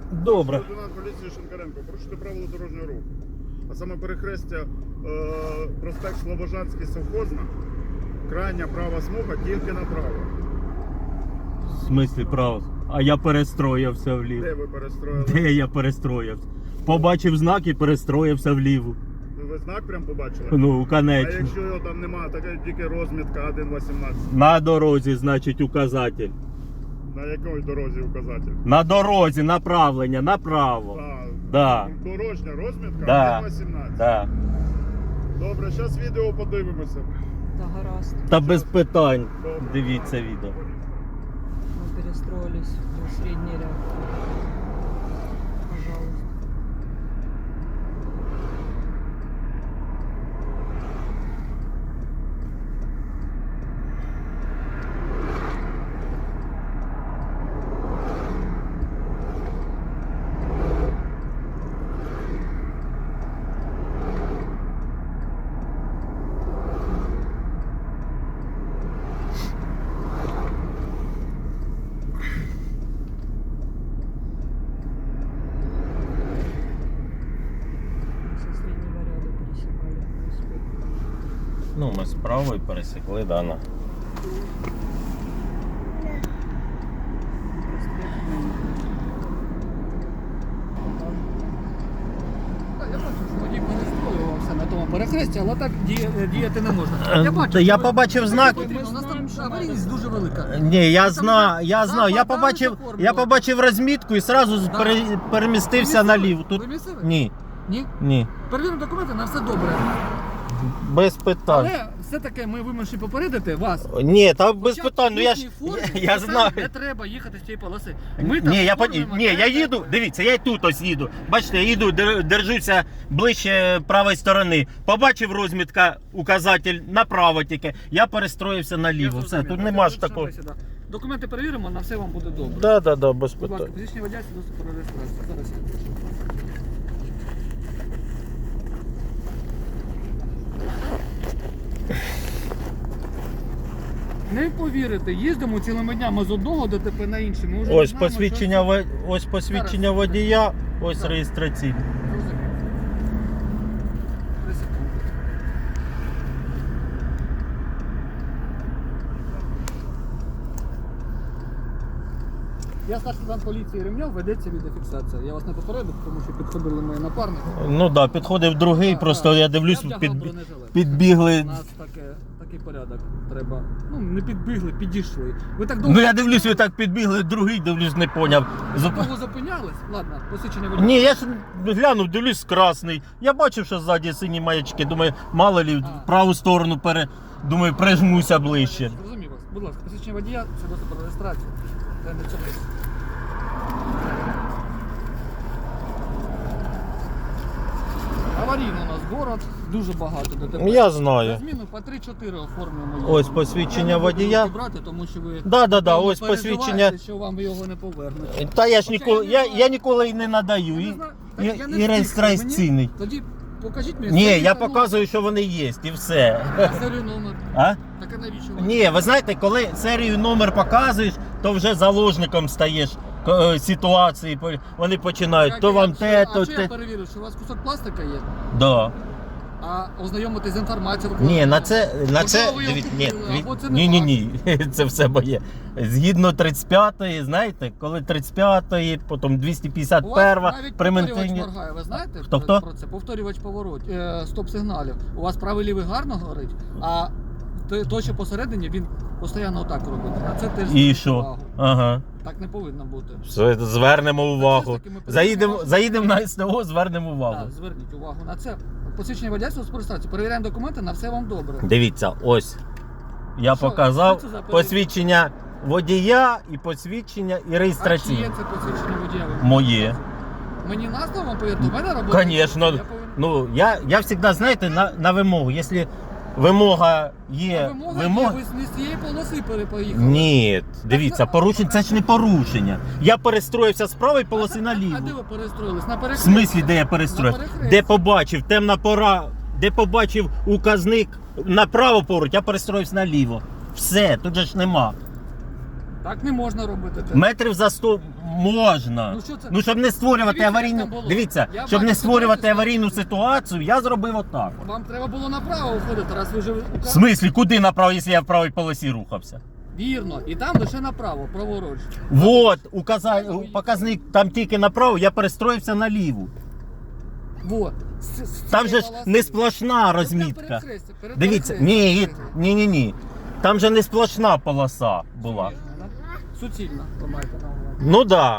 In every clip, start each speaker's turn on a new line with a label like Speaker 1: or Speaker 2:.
Speaker 1: Добре.
Speaker 2: Лейтенант поліції Шинкаренко, порушити правила дорожнього руху. А саме перехрестя проспект Слобожанський совхозна, крайня права смуга тільки направо.
Speaker 1: В смислі право? А я перестроївся вліво.
Speaker 2: Де ви перестроїли?
Speaker 1: Де я перестроївся? Побачив знак і перестроївся вліво.
Speaker 2: Ви знак прям побачили?
Speaker 1: Ну,
Speaker 2: А
Speaker 1: конечно.
Speaker 2: якщо його там немає, така тільки розмітка 1.18.
Speaker 1: На дорозі, значить, указатель.
Speaker 2: На якій дорозі указатель?
Speaker 1: На дорозі, направлення, направо. Да.
Speaker 2: Дорожня розмітка
Speaker 1: Да.
Speaker 2: 1.18.
Speaker 1: Да.
Speaker 2: Добре, зараз відео подивимося.
Speaker 3: Да, гаразд.
Speaker 1: Та без питань.
Speaker 2: Добре.
Speaker 1: Дивіться відео.
Speaker 3: Мы перестроились в средний ряд. Пожалуйста. Со среднего ряда пересекали.
Speaker 1: Ну, ми з правої пересікли, Дана.
Speaker 4: Я бачу, що водій перестроювався на тому перехресті, але так діяти не можна. Я бачу,
Speaker 1: Та я
Speaker 4: що
Speaker 1: побачив знак.
Speaker 4: потрібно. У нас там аварійність дуже велика.
Speaker 1: Ні, я
Speaker 4: Там
Speaker 1: знаю, я знаю. Я побачив розмітку і одразу
Speaker 4: Да.
Speaker 1: перемістився наліво. Тут
Speaker 4: Ви місцеві?
Speaker 1: ні,
Speaker 4: Ні?
Speaker 1: ні.
Speaker 4: Перевіримо документи, на все добре.
Speaker 1: Без питань.
Speaker 4: Але все-таки ми вимушені попередити вас.
Speaker 1: Ні, та без
Speaker 4: Хоча
Speaker 1: питань. Ну я ж
Speaker 4: їхній формі
Speaker 1: я
Speaker 4: писати
Speaker 1: знаю.
Speaker 4: Не треба їхати з цієї полоси. Ми там
Speaker 1: Ні,
Speaker 4: оформлюємо,
Speaker 1: ні, я
Speaker 4: де
Speaker 1: їду.
Speaker 4: треба.
Speaker 1: Дивіться, я й тут ось їду. Бачите, я їду, держуся ближче правої сторони. Побачив розмітка, указатель направо тільки. Я перестроївся
Speaker 4: Я
Speaker 1: наліво. Все,
Speaker 4: зрозумів.
Speaker 1: тут нема ж
Speaker 4: Тут
Speaker 1: такого.
Speaker 4: бесіда. Документи перевіримо, на все вам буде добре.
Speaker 1: Да, без
Speaker 4: Будь ласка,
Speaker 1: питань.
Speaker 4: фізичні водія, свідоцтво про реєстрацію. Зараз я прошу. Не повірите, їздимо цілими днями з одного ДТП на інше. Ми вже не
Speaker 1: Ось
Speaker 4: знаємо,
Speaker 1: посвідчення,
Speaker 4: що це.
Speaker 1: ось посвідчення
Speaker 4: Зараз.
Speaker 1: водія, ось
Speaker 4: Так.
Speaker 1: реєстраційне.
Speaker 4: Розумію. 3 секунди. Я старший лейтенант поліції Ремньов, ведеться відеофіксація. Я вас не попередив, тому що підходили мої напарники.
Speaker 1: Ну так, підходив другий,
Speaker 4: Так,
Speaker 1: просто
Speaker 4: так.
Speaker 1: я дивлюсь,
Speaker 4: Я вдягав бронежилет.
Speaker 1: підбігли.
Speaker 4: У нас такий порядок треба. Ну, не підбігли, підійшли. Ви так довго,
Speaker 1: Ну я дивлюсь, ви так підбігли, другий дивлюсь, не поняв.
Speaker 4: довго зупинялись? Ладно, посвідчення водія.
Speaker 1: Ні, я ж глянув, дивлюсь, красний. Я бачив, що ззаді сині маячки. Думаю, мало лі,
Speaker 4: А.
Speaker 1: в праву сторону думаю, прижмуся ближче.
Speaker 4: Зрозумів вас. Будь ласка, посвідчення водія, свідоцтво про реєстрацію. Та не цьому. Аварійний у нас город, дуже багато ДТП.
Speaker 1: Я
Speaker 4: За
Speaker 1: знаю.
Speaker 4: зміну по 3-4 оформлюємо.
Speaker 1: Ось посвідчення
Speaker 4: Я не буду
Speaker 1: водія.
Speaker 4: руки брати, тому що ви
Speaker 1: Да,
Speaker 4: напевно,
Speaker 1: ось
Speaker 4: переживаєте,
Speaker 1: посвідчення.
Speaker 4: що вам його не повернуть.
Speaker 1: Та я ж
Speaker 4: Хоча
Speaker 1: ніколи,
Speaker 4: я не знаю.
Speaker 1: я ніколи і не надаю.
Speaker 4: Я
Speaker 1: І,
Speaker 4: не знаю.
Speaker 1: і,
Speaker 4: Так я не
Speaker 1: і
Speaker 4: встиг.
Speaker 1: реєстраційний.
Speaker 4: Мені- Тоді покажіть мені.
Speaker 1: Ні,
Speaker 4: серію
Speaker 1: я
Speaker 4: та
Speaker 1: показую, що вони є, і все.
Speaker 4: номер. Серію номер.
Speaker 1: А?
Speaker 4: Так а навіщо вам?
Speaker 1: Ні, ви знаєте, коли серію номер показуєш, то вже заложником стаєш ситуації. Вони починають.
Speaker 4: Як
Speaker 1: То
Speaker 4: я-
Speaker 1: вам те,
Speaker 4: а
Speaker 1: то
Speaker 4: що я
Speaker 1: те.
Speaker 4: перевірю, що у вас кусок пластика є?
Speaker 1: Да.
Speaker 4: А ознайомитись з інформацією.
Speaker 1: Ні, на це,
Speaker 4: Можливо, ви його
Speaker 1: дивіться,
Speaker 4: купили, або це не
Speaker 1: ні, ні, це все моє. Згідно 35-ї, знаєте, коли 35-ї, потім
Speaker 4: У вас
Speaker 1: 251-га,
Speaker 4: навіть
Speaker 1: при
Speaker 4: повторювач
Speaker 1: ментині.
Speaker 4: моргає, ви знаєте
Speaker 1: Хто?
Speaker 4: про це? Повторювач стоп-сигналів. У вас правий лівий гарно горить, а той, що посередині, він постійно отак робить. А це теж
Speaker 1: І
Speaker 4: зверніть
Speaker 1: що?
Speaker 4: увагу.
Speaker 1: Ага.
Speaker 4: Так не повинно бути.
Speaker 1: Все, звернемо увагу.
Speaker 4: все ж таки ми перевіряємо
Speaker 1: Заїдемо на СТО, звернемо увагу.
Speaker 4: Так, зверніть увагу на це. Посвідчення водійського з реєстрації. Перевіряємо документи, на все вам добре.
Speaker 1: Дивіться, ось. Я
Speaker 4: Що?
Speaker 1: показав
Speaker 4: Що це за
Speaker 1: посвідчення водія і посвідчення і
Speaker 4: А чи є
Speaker 1: реєстраційне.
Speaker 4: це посвідчення водія?
Speaker 1: Моє.
Speaker 4: Мені назву вам повірте, у мене робота.
Speaker 1: Звісно.
Speaker 4: Я повинен-
Speaker 1: Ну, я завжди, знаєте, на вимогу. Якщо вимога є.
Speaker 4: Вимога є, ви не з цієї полоси поїхали.
Speaker 1: Ні, дивіться, порушення це ж не порушення. Я перестроївся з правої полоси
Speaker 4: А
Speaker 1: наліво.
Speaker 4: де ви перестроїлись? На
Speaker 1: В
Speaker 4: перехресті?
Speaker 1: смислі, де я перестроївся?
Speaker 4: На перехресті.
Speaker 1: Де побачив, темна пора, де побачив указник направо поруч, я перестроївся наліво. Все, тут же ж нема.
Speaker 4: Так не можна робити.
Speaker 1: Метрів за 100 можна.
Speaker 4: Ну, що це?
Speaker 1: Ну, щоб не створювати
Speaker 4: Дивіться, як
Speaker 1: аварійну.
Speaker 4: там було.
Speaker 1: Дивіться,
Speaker 4: Я
Speaker 1: щоб
Speaker 4: бачу,
Speaker 1: не
Speaker 4: що
Speaker 1: створювати
Speaker 4: бачите,
Speaker 1: аварійну ситуацію, я зробив отак.
Speaker 4: Вам треба було направо виходити, раз ви вже...
Speaker 1: В смислі, куди направо, якщо я в правій полосі рухався?
Speaker 4: Вірно, і там лише направо, праворуч.
Speaker 1: Вот, показник там тільки направо, я перестроївся наліву.
Speaker 4: Вот.
Speaker 1: Там же ж не сплошна розмітка. Дивіться, ні. Там же не сплошна полоса була.
Speaker 4: Суцільно, ви маєте на увазі.
Speaker 1: Ну да.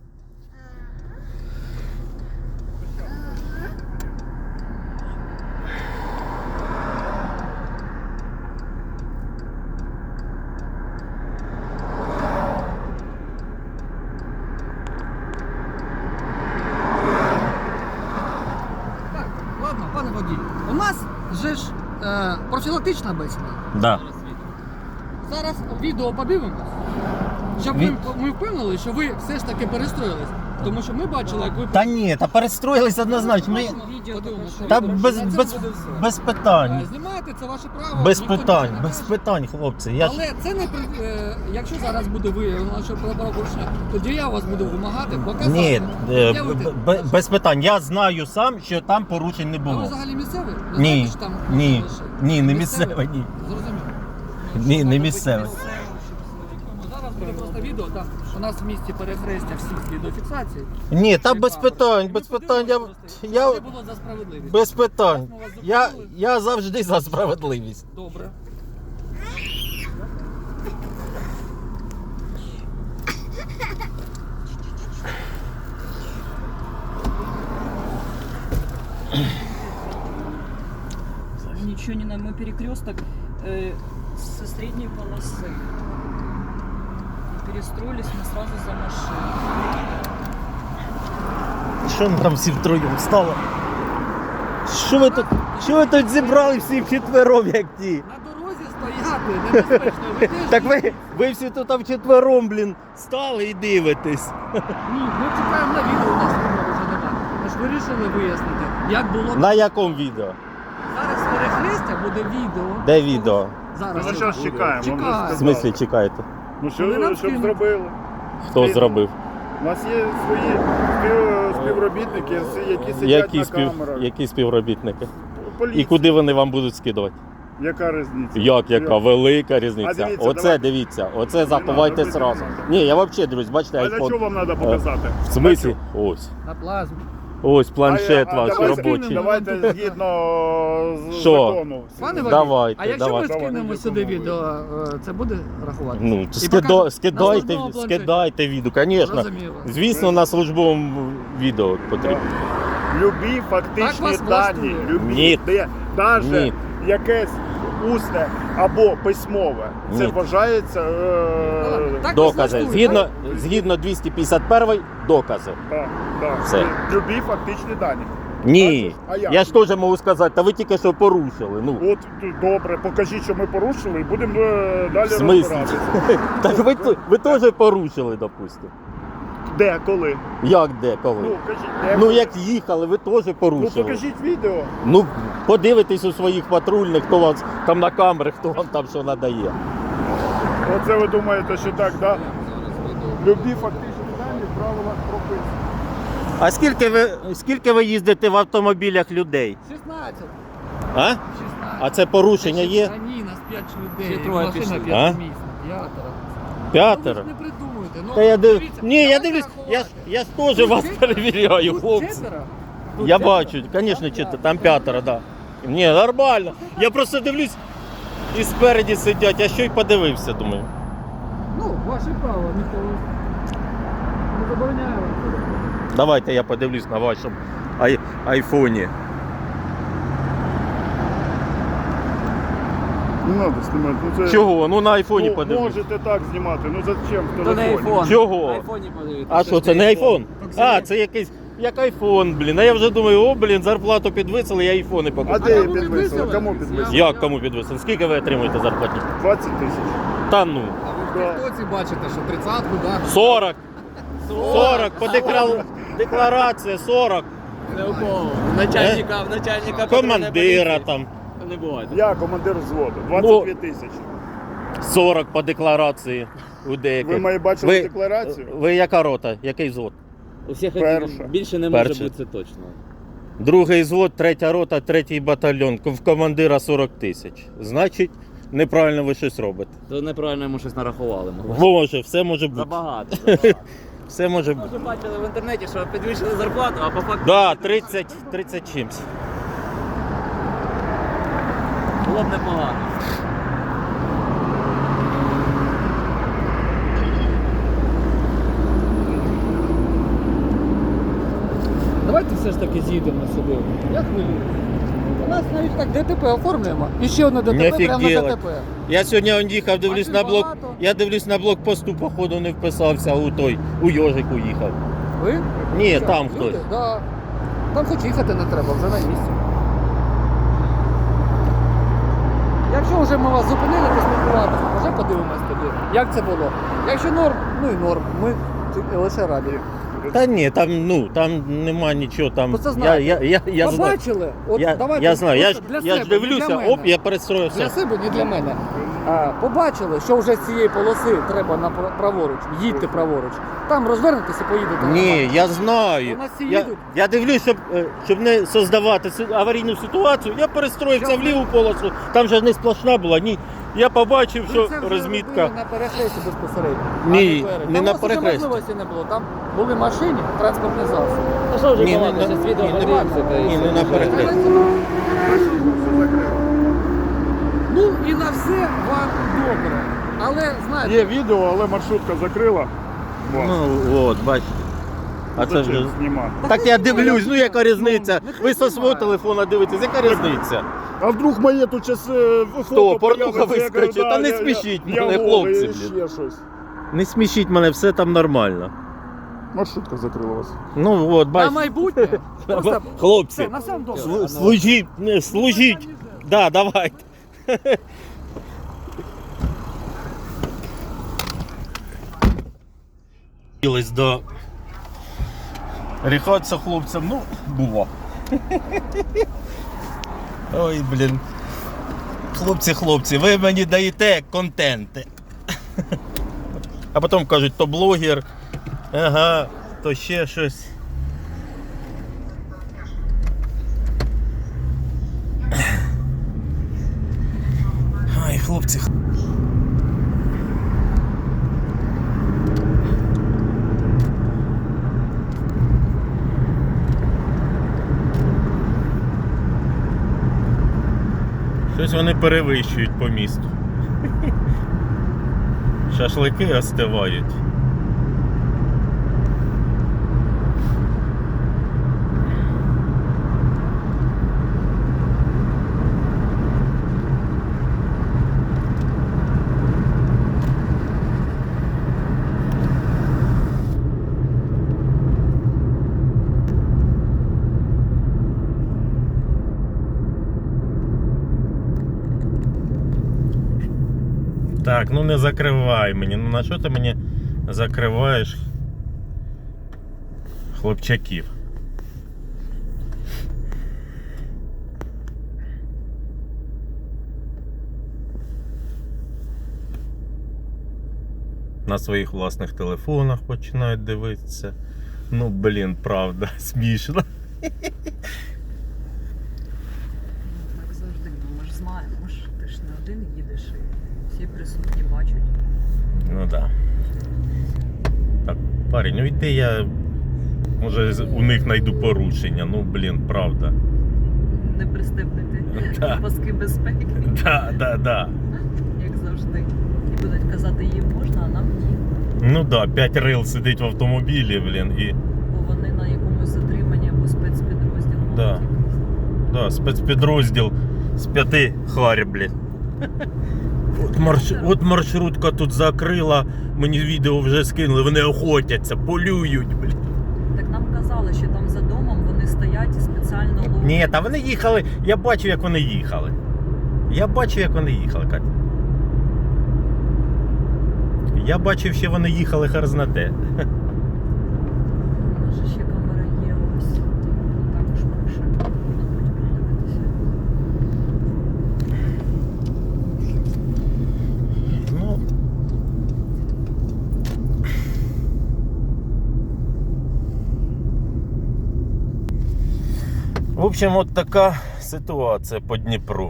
Speaker 4: Так, ладно, пане водій. У нас же ж профілактична бесіда.
Speaker 1: Да.
Speaker 4: Зараз відео подивимось, щоб ми впевнили, що ви все ж таки перестроїлись. Тому що ми бачили, як ви...
Speaker 1: Та ні, та перестроїлись однозначно. Ми...
Speaker 4: Подивимось, що
Speaker 1: Та
Speaker 4: ви
Speaker 1: без питань.
Speaker 4: знімаєте, це ваше право.
Speaker 1: Без
Speaker 4: ніхто
Speaker 1: питань,
Speaker 4: нічого не
Speaker 1: без
Speaker 4: каже.
Speaker 1: питань, хлопці. Я ж...
Speaker 4: Але це не якщо зараз буде виявлено, що правопорушення, тоді я вас буду вимагати показати.
Speaker 1: Ні,
Speaker 4: пред'явити
Speaker 1: без питань. Я знаю сам, що там порушень не
Speaker 4: А ви
Speaker 1: було.
Speaker 4: взагалі місцевий? Ви
Speaker 1: Ні,
Speaker 4: знаєте, що там
Speaker 1: ні,
Speaker 4: лише?
Speaker 1: ні, не
Speaker 4: Місцевий?
Speaker 1: місцевий, ні.
Speaker 4: Зрозуміло.
Speaker 1: Ні, не місцевий.
Speaker 4: Зараз буде просто відео, там у нас в місті перехрестя всіх відеофіксацій.
Speaker 1: Ні, та без питань, без питань. Я
Speaker 4: Це було за справедливість.
Speaker 1: без питань.
Speaker 4: Ми вас зупинили.
Speaker 1: Я завжди за справедливість.
Speaker 4: Добре.
Speaker 3: Ничего не надо. Мы перекресток со средней полосы. И перестроились мы сразу за машиной.
Speaker 1: Що ми там всі втроєм стало? Що ви тут зібрали всі вчетвером, як ті?
Speaker 4: На дорозі стояти небезпечно. Ви теж
Speaker 1: Так ви всі тут вчетвером, блін, стали і дивитесь.
Speaker 4: Ні, ми чекаємо на відео, у нас відео вже немає. Ми ж вирішили вияснити, як було.
Speaker 1: На якому відео?
Speaker 4: Зараз з перехрестя буде відео.
Speaker 1: Де відео?
Speaker 4: Зараз.
Speaker 2: Ну, що ж чекаємо?
Speaker 4: Чекаємо.
Speaker 2: Вам вже
Speaker 1: В
Speaker 2: сказали.
Speaker 1: смислі чекаєте?
Speaker 2: Ну
Speaker 4: Вони нам
Speaker 2: що, щоб
Speaker 4: скинуть.
Speaker 2: зробили?
Speaker 1: Хто зробив?
Speaker 2: У нас є свої співробітники, які сидять на камерах.
Speaker 1: Які співробітники?
Speaker 2: Поліція.
Speaker 1: І куди вони вам будуть скидувати?
Speaker 2: Яка різниця?
Speaker 1: Яка велика різниця.
Speaker 2: А дивіться,
Speaker 1: Оце
Speaker 2: давай.
Speaker 1: дивіться, оце заховайте
Speaker 2: робити
Speaker 1: зразу.
Speaker 2: не надо.
Speaker 1: Ні, я взагалі дивлюсь, бачите,
Speaker 2: А для чого
Speaker 1: айфон.
Speaker 2: вам треба показати?
Speaker 1: В смислі? Ось.
Speaker 4: На плазмі.
Speaker 1: Ось планшет ваш
Speaker 2: давайте,
Speaker 1: робочий.
Speaker 2: Давайте згідно з
Speaker 1: Що?
Speaker 2: закону.
Speaker 4: Пане Вадим,
Speaker 1: Давайте,
Speaker 4: а якщо
Speaker 1: давайте.
Speaker 4: ми скинемо
Speaker 2: Давайте,
Speaker 4: сюди
Speaker 2: допомогу.
Speaker 4: відео, це буде рахувати?
Speaker 1: Ну,
Speaker 4: І покажемо на
Speaker 1: скидайте
Speaker 4: службовому планшеті.
Speaker 1: відео, звісно.
Speaker 4: Зрозуміло.
Speaker 1: Звісно, на службовому відео потрібно.
Speaker 2: Любі
Speaker 4: Так
Speaker 2: фактичні
Speaker 4: вас
Speaker 2: дані,
Speaker 4: влаштує?
Speaker 2: любі,
Speaker 1: Ні.
Speaker 2: де навіть
Speaker 1: Ні.
Speaker 2: якесь усне або письмове, це
Speaker 1: Ні.
Speaker 2: вважається
Speaker 4: Так вас
Speaker 1: Докази.
Speaker 4: влаштує,
Speaker 1: Згідно 251 докази.
Speaker 2: так.
Speaker 1: Все.
Speaker 2: Любі фактичні дані.
Speaker 1: Ні.
Speaker 2: А як?
Speaker 1: Я ж теж можу сказати, та ви тільки що порушили. Ну,
Speaker 2: От добре, покажіть, що ми порушили, і будемо далі
Speaker 1: в смислі?
Speaker 2: розбиратися.
Speaker 1: Так ви теж порушили, допустимо.
Speaker 2: Де, коли?
Speaker 1: Як де, коли?
Speaker 2: Ну, кажіть, де?
Speaker 1: Ну як їхали, ви теж
Speaker 2: Ну,
Speaker 1: порушили.
Speaker 2: покажіть відео.
Speaker 1: Ну, подивитесь у своїх патрульних, хто вам там на камери, хто вам там що надає.
Speaker 2: Оце ви думаєте, що так, да? Любі фактичні дані в правилах прописані.
Speaker 1: А скільки ви їздите в автомобілях людей?
Speaker 4: 16.
Speaker 1: А?
Speaker 4: 16.
Speaker 1: А це порушення є?
Speaker 4: Та ні, нас 5 людей.
Speaker 3: Ще троє
Speaker 4: Машина
Speaker 3: пішли.
Speaker 4: 5-місна. П'ятеро.
Speaker 1: П'ятеро?
Speaker 4: Ну, ви ж не придумуйте. Ну,
Speaker 1: Та я
Speaker 4: дивіться,
Speaker 1: Ні, я
Speaker 4: давайте
Speaker 1: дивлюсь,
Speaker 4: рахувати.
Speaker 1: я ж теж вас
Speaker 4: Тут
Speaker 1: перевіряю,
Speaker 4: Тут
Speaker 1: хлопці.
Speaker 4: четверо.
Speaker 1: Я
Speaker 4: Тут четверо.
Speaker 1: бачу, звісно, там п'ятеро, так. Да. Ні, нормально. Я просто дивлюсь, і спереді сидять, я що й подивився, думаю.
Speaker 4: Ну, ваше право, ніхто не забороняє вам.
Speaker 1: Давайте я подивлюсь на вашому айфоні.
Speaker 2: Не треба знімати. Ну, це...
Speaker 1: Чого? Ну на айфоні
Speaker 2: Ну,
Speaker 1: подивлюсь.
Speaker 2: можете так знімати, ну зачем в
Speaker 3: То на
Speaker 2: телефоні?
Speaker 3: айфон.
Speaker 1: Чого?
Speaker 3: На айфоні подивитися.
Speaker 1: А що, це не айфон? А, це якийсь, як айфон, блін. А я вже думаю, о, блін, зарплату підвисили, я айфони
Speaker 2: А
Speaker 1: покупаю.
Speaker 2: де
Speaker 4: кому
Speaker 2: підвисили?
Speaker 4: підвисили?
Speaker 2: Кому підвисили?
Speaker 1: Як кому підвисили? Скільки ви отримуєте зарплатні?
Speaker 2: 20 тисяч.
Speaker 1: Та ну.
Speaker 4: А ви в тіктоці бачите, що 30-ку, так?
Speaker 1: 40. 40 по декларація 40.
Speaker 3: Не у кого. Начальника
Speaker 1: Командира там.
Speaker 3: Не буває.
Speaker 2: Я командир взводу. 22 тисячі.
Speaker 1: 40 по декларації. у деяких.
Speaker 2: Ви мої бачили
Speaker 1: Ви-
Speaker 2: декларацію?
Speaker 1: Ви яка рота? Який звод?
Speaker 5: У всіх
Speaker 2: Перша.
Speaker 5: більше не може
Speaker 1: Перша.
Speaker 5: бути, це точно.
Speaker 1: Другий звод, 3-я рота, 3-й батальйон. В командира 40 тисяч. Значить, неправильно ви щось робите.
Speaker 5: То неправильно йому щось нарахували.
Speaker 1: Може, все може бути.
Speaker 5: Забагато.
Speaker 1: Все може бути.
Speaker 5: Може бачили в інтернеті, що підвищили зарплату, а по факту
Speaker 1: Да, 30 чимсь.
Speaker 5: було б непогано.
Speaker 4: Давайте все ж таки з'їдемо сюди. Я хвилюю. У нас навіть так ДТП оформлюємо. І ще одне ДТП прямо на
Speaker 1: Офігела.
Speaker 4: ДТП.
Speaker 1: Я сьогодні он їхав, дивлюсь
Speaker 4: Машин
Speaker 1: на блок.
Speaker 4: багато.
Speaker 1: Я дивлюсь на блокпосту, походу не вписався у Йожику їхав.
Speaker 4: Ви?
Speaker 1: Ні,
Speaker 4: Що,
Speaker 1: там
Speaker 4: люди?
Speaker 1: хтось.
Speaker 4: Да. Там хоч їхати не треба, вже на місці. Якщо вже ми вас зупинили поспілкуватися, вже подивимось тоді, як це було. Якщо норм, ну і норм. Ми лише раді.
Speaker 1: Та ні, там нема нічого там.
Speaker 4: Просто знаєте,
Speaker 1: Я знаю.
Speaker 4: Побачили? От давайте
Speaker 1: Я знаю,
Speaker 4: просто для
Speaker 1: я ж
Speaker 4: себе, не
Speaker 1: дивлюся,
Speaker 4: для мене.
Speaker 1: оп, я перестроївся.
Speaker 4: Для себе, не для мене. Побачили, що вже з цієї полоси треба праворуч, їдьте праворуч. Там розвернетеся і поїдете.
Speaker 1: Ні, я знаю.
Speaker 4: У нас всі
Speaker 1: Я,
Speaker 4: їдуть.
Speaker 1: я дивлюсь, щоб не создавати аварійну ситуацію, я перестроївся
Speaker 4: Що
Speaker 1: в ліву полосу, там же не сплошна була, ні. Я побачив,
Speaker 4: Ви
Speaker 1: що
Speaker 4: це вже
Speaker 1: розмітка.
Speaker 4: робили на перехресті безпосередньо.
Speaker 1: Ні,
Speaker 4: а перед.
Speaker 1: не
Speaker 4: Там
Speaker 1: на
Speaker 4: у вас уже
Speaker 1: перехресті.
Speaker 4: можливості не було. Там були машини, транспортні засоби.
Speaker 5: А що вже
Speaker 1: Ні,
Speaker 5: балакати,
Speaker 1: не-
Speaker 5: зараз відео
Speaker 1: ні, не
Speaker 5: подивимося, та й
Speaker 1: ні,
Speaker 5: все.
Speaker 1: не на перехресті.
Speaker 2: Все закрили.
Speaker 4: Ну і на все вам добре. Але знаєте,
Speaker 2: Є відео, але маршрутка закрила. Вас.
Speaker 1: Ну от, бачите. А це
Speaker 2: Зачем
Speaker 1: вже.
Speaker 2: знімати?
Speaker 1: Так я дивлюсь, ну яка різниця?
Speaker 4: нехай
Speaker 1: Ви со свого
Speaker 4: знімає.
Speaker 1: телефона дивитесь, яка різниця?
Speaker 2: А вдруг моє тут час
Speaker 1: Хто, порнуха вискочить? Та не смішіть мене, хлопці, блін.
Speaker 2: Ще щось.
Speaker 1: Не смішіть мене, все там нормально.
Speaker 2: Маршрутка закрила вас.
Speaker 1: Ну от,
Speaker 4: на
Speaker 1: бачите.
Speaker 4: майбутнє. Просто
Speaker 1: Хлопці,
Speaker 4: все, на все добре.
Speaker 1: служіть, служіть. Да, давайте. Хотілось до ріхатися хлопцям, ну, було. Ой, блін. Хлопці, ви мені даєте контенти. А потім кажуть, то блогер, ага, то ще щось. Ай, хлопці. Щось вони перевищують по місту. Шашлики остивають. Так, ну не закривай мені. Ну на що ти мені закриваєш хлопчаків? На своїх власних телефонах починають дивитися. Ну, блін, правда, смішно.
Speaker 3: Так завжди, ну ми ж знаємо, ти ж не один їдеш, і всі присутні бачать.
Speaker 1: Ну так. Да. Так, парень, ну йди я. Може у них знайду порушення. Ну, блін, правда.
Speaker 3: Не пристебнути
Speaker 1: Да.
Speaker 3: паски безпеки,
Speaker 1: Да.
Speaker 3: як завжди. І будуть казати, їм можна, а нам ні.
Speaker 1: Ну да, 5 рил сидить в автомобілі, блін, і.
Speaker 3: Бо вони на якомусь затриманні або спецпідрозділі.
Speaker 1: Да.
Speaker 3: мабуть, якийсь.
Speaker 1: Да, спецпідрозділ з 5 харь, блін. От маршрутка тут закрила, мені відео вже скинули, вони охотяться, полюють, блін.
Speaker 3: Так нам казали, що там за домом вони стоять і спеціально ловлять.
Speaker 1: Ні, та вони їхали, я бачив, як вони їхали. Катя. Я бачив, що вони їхали хер зна те.
Speaker 3: У нас же ще камера є ось. Також пише. Можна потім подивитися.
Speaker 1: Ну, В общем, от така ситуація по Дніпру.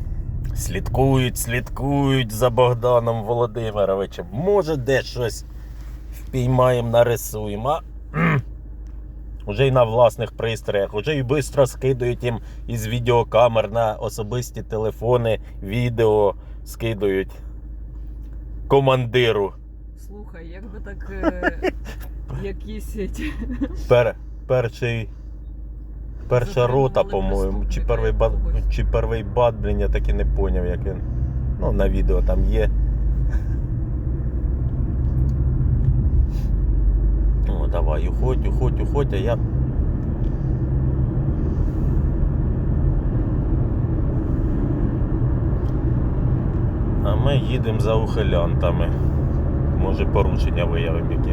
Speaker 1: Слідкують за Богданом Володимировичем. Може, де щось впіймаємо, нарисуємо. Уже і на власних пристроях, уже і швидко скидують їм із відеокамер на особисті телефони, відео скидують командиру.
Speaker 3: Слухай, якби так якісь
Speaker 1: Перша рота,
Speaker 3: Затримували
Speaker 1: по-моєму, чи
Speaker 3: преступника
Speaker 1: перший бат,
Speaker 3: якогось.
Speaker 1: чи перший бат, блін, я так і не поняв, як він. Ну, на відео там є. О, давай, уходь, а я... А ми їдемо за ухилянтами. Може, порушення виявимо які.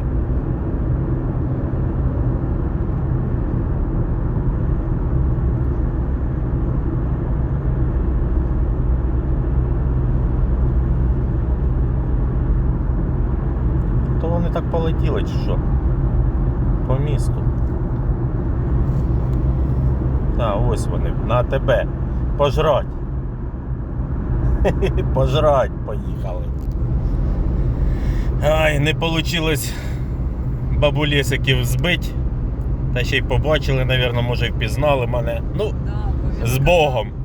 Speaker 1: То вони так полетіли, чи що? По місту. А, ось вони, на тебе. Пожрать. Пожрать поїхали. Ай, не вийшло бабулєсиків збити. Та ще й побачили, мабуть, може і впізнали мене. Ну,
Speaker 3: Да, бо він
Speaker 1: з Богом.